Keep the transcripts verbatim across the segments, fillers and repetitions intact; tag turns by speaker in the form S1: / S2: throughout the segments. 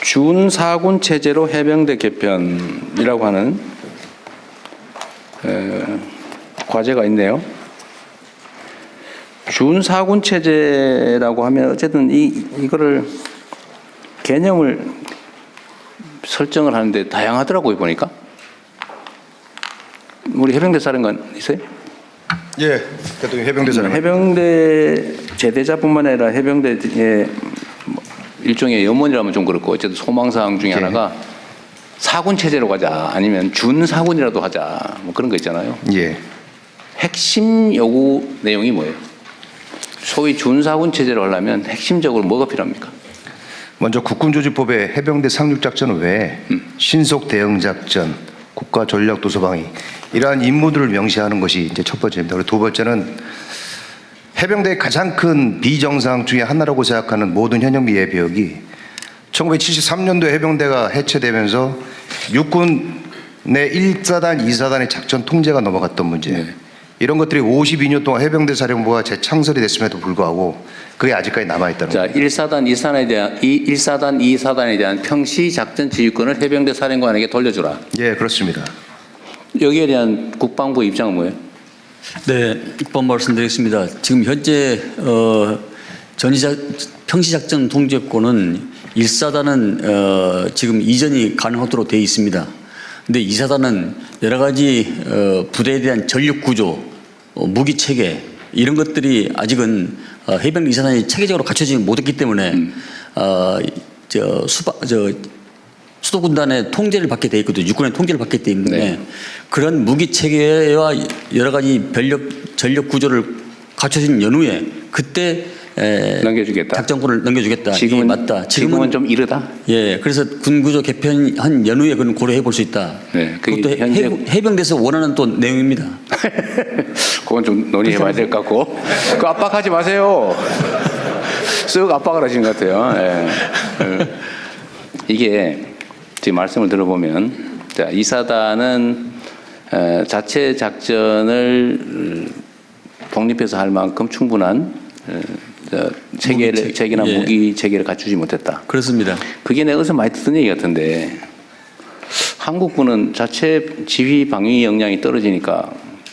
S1: 준사군 체제로 해병대 개편이라고 하는 에, 과제가 있네요. 준사군 체제라고 하면 어쨌든 이 이거를 개념을 설정을 하는데 다양하더라고요, 보니까. 우리 해병대 사령관 있어요?
S2: 예, 대통령 해병대 사령관.
S1: 해병대 제대자뿐만 아니라 해병대의 일종의 염원이라면 좀 그렇고 어쨌든 소망사항 중에
S2: 예.
S1: 하나가 사군 체제로 가자, 아니면 준사군이라도 하자, 뭐 그런 거 있잖아요.
S2: 예.
S1: 핵심 요구 내용이 뭐예요? 소위 준사군 체제로 하려면 핵심적으로 뭐가 필요합니까?
S2: 먼저 국군조직법의 해병대 상륙작전 외에
S1: 음.
S2: 신속 대응작전, 국가전략도서방위 이러한 임무들을 명시하는 것이 이제 첫 번째입니다. 그리고 두 번째는 해병대의 가장 큰 비정상 중에 하나라고 생각하는 모든 현역미 예비역이 천구백칠십삼 년도에 해병대가 해체되면서 육군 내 일 사단, 이 사단의 작전 통제가 넘어갔던 문제.
S1: 네.
S2: 이런 것들이 오십이 년 동안 해병대 사령부가 재창설이 됐음에도 불구하고 그게 아직까지 남아있다는
S1: 자,
S2: 거죠.
S1: 일 사단, 이 사단에 대한 이 일 사단, 이 사단에 대한 평시 작전 지휘권을 해병대 사령관에게 돌려주라.
S2: 예, 그렇습니다.
S1: 여기에 대한 국방부 입장은 뭐예요?
S3: 네, 입법 말씀드리겠습니다. 지금 현재 어, 전시작 평시작전 통제권은 일 사단은 어, 지금 이전이 가능하도록 되어 있습니다. 근데 이 사단은 여러 가지 어, 부대에 대한 전력 구조, 어, 무기 체계 이런 것들이 아직은 어, 해병대 이 사단이 체계적으로 갖춰지지 못했기 때문에
S1: 음.
S3: 어, 저 수바 저 수도군단의 통제를 받게 돼 있거든요. 육군의 통제를 받기 때문에
S1: 네.
S3: 그런 무기 체계와 여러 가지 전력 전력 구조를 갖춰진 연후에 그때 에,
S1: 넘겨주겠다.
S3: 작전권을 넘겨주겠다.
S1: 지금은
S3: 이게 맞다.
S1: 지금은 좀 이르다.
S3: 예, 그래서 군구조 개편한 연후에 그건 고려해 볼 수 있다.
S1: 네, 그게
S3: 그것도
S1: 현재-
S3: 해, 해병대에서 원하는 또 내용입니다.
S1: 그건 좀 논의해봐야 될 것 같고. 그 압박하지 마세요. 쓱 압박을 하시는 것 같아요. 예. 예. 이게 지금 말씀을 들어보면, 자, 이 사단은 에, 자체 작전을 독립해서 할 만큼 충분한 에, 저, 체계를,
S3: 무기 체-
S1: 체계나
S3: 예.
S1: 무기 체계를 갖추지 못했다.
S3: 그렇습니다.
S1: 그게 내가 어디서 많이 듣던 얘기 같은데, 한국군은 자체 지휘 방위 역량이 떨어지니까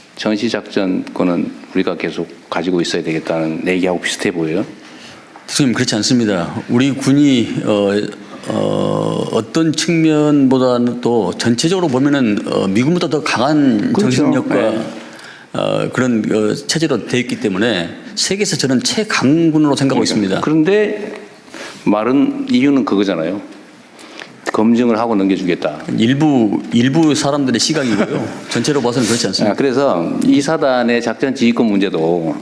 S1: 전시작전권은 우리가 계속 가지고 있어야 되겠다는 얘기하고 비슷해 보여요.
S3: 선생님 그렇지 않습니다. 우리 군이 어, 어, 어떤 측면보다는 또 전체적으로 보면은 어, 미군보다 더 강한
S1: 그렇죠.
S3: 정신력과
S1: 네.
S3: 어, 그런 어, 체제로 되어 있기 때문에 세계에서 저는 최강군으로 생각하고 있습니다.
S1: 그런데 말은 이유는 그거잖아요. 검증을 하고 넘겨주겠다.
S3: 일부 일부 사람들의 시각이고요. 전체로 봐서는 그렇지 않습니다.
S1: 아, 그래서 이 사단의 작전 지휘권 문제도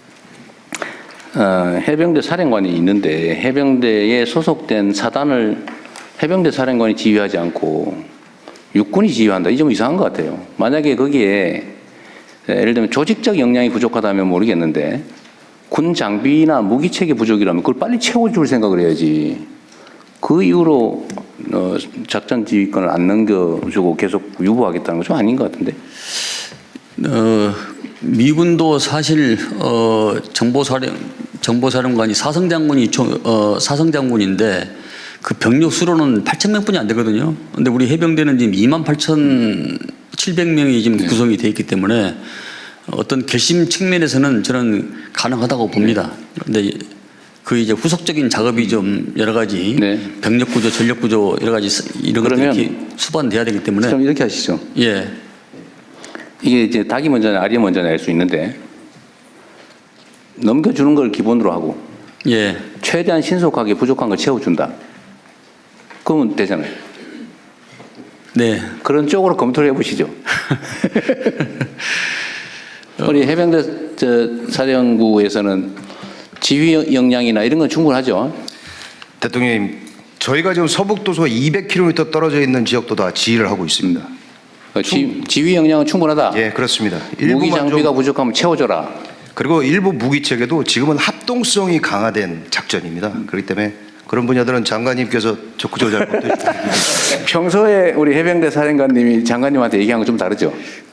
S1: 어, 해병대 사령관이 있는데 해병대에 소속된 사단을 해병대 사령관이 지휘하지 않고 육군이 지휘한다. 이 좀 이상한 것 같아요. 만약에 거기에 예를 들면 조직적 역량이 부족하다면 모르겠는데 군 장비나 무기 체계 부족이라면 그걸 빨리 채워줄 생각을 해야지. 그 이후로 어, 작전 지휘권을 안 넘겨주고 계속 유보하겠다는 건 좀 아닌 것 같은데.
S3: 어, 미군도 사실 어, 정보사령 정보사령관이 사성장군이 총- 어, 사성장군인데 그 병력 수로는 팔천 명뿐이 안 되거든요. 근데 우리 해병대는 지금 이만 팔천칠백 명이 지금 구성이 되어 있기 때문에 어떤 결심 측면에서는 저는 가능하다고 봅니다. 그런데 그 이제 후속적인 작업이 좀 여러 가지
S1: 네.
S3: 병력 구조, 전력 구조 여러 가지 이런 것들이
S1: 그러면
S3: 이렇게 수반돼야 되기 때문에
S1: 그럼 이렇게 하시죠.
S3: 예.
S1: 이게 이제 닭이 먼저냐 알이 먼저냐 알 수 있는데 넘겨주는 걸 기본으로 하고
S3: 예.
S1: 최대한 신속하게 부족한 걸 채워준다. 그러면 되잖아요.
S3: 네.
S1: 그런 쪽으로 검토를 해보시죠. 우리 해병대 저 사령부에서는 지휘 역량이나 이런 건 충분하죠.
S2: 대통령님, 저희가 지금 서북도서 이백 킬로미터 떨어져 있는 지역도 다 지휘를 하고 있습니다.
S1: 그 지, 지휘 역량은 충분하다.
S2: 예, 그렇습니다.
S1: 무기
S2: 일부만
S1: 장비가
S2: 좀,
S1: 부족하면 채워줘라.
S2: 그리고 일부 무기 체계도 지금은 합동성이 강화된 작전입니다. 그렇기 때문에 그런 분야들은 장관님께서 적극적으로 잘 검토해 주십니다.
S1: 평소에 우리 해병대 사령관님이 장관님한테 얘기한 건 좀 다르죠.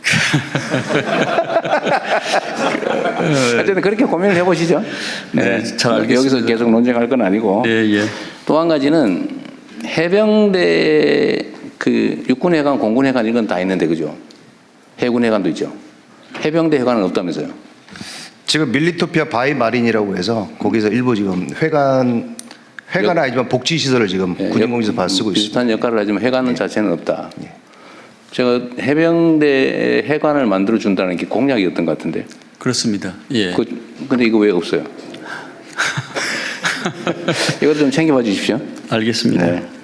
S1: 어쨌든 그렇게 고민을 해보시죠.
S3: 네, 잘 알겠습니다.
S1: 여기서 계속 논쟁할 건 아니고.
S3: 예, 예.
S1: 또 한 가지는 해병대 그 육군해관, 공군해관 이건 다 있는데 그죠? 해군해관도 있죠. 해병대 해관은 없다면서요?
S2: 지금 밀리토피아 바이 마린이라고 해서 거기서 일부 지금 회관 회관은 아니지만 복지 시설을 지금
S1: 예,
S2: 군인공지에서 받아 쓰고 있습니다.
S1: 비슷한 역할을 하지만 해관
S2: 예.
S1: 자체는 없다.
S2: 예.
S1: 제가 해병대 해관을 만들어 준다는 게 공약이었던 것 같은데.
S3: 그렇습니다. 예.
S1: 그, 근데 이거 왜 없어요? 이거 좀 챙겨봐 주십시오.
S3: 알겠습니다.
S1: 네.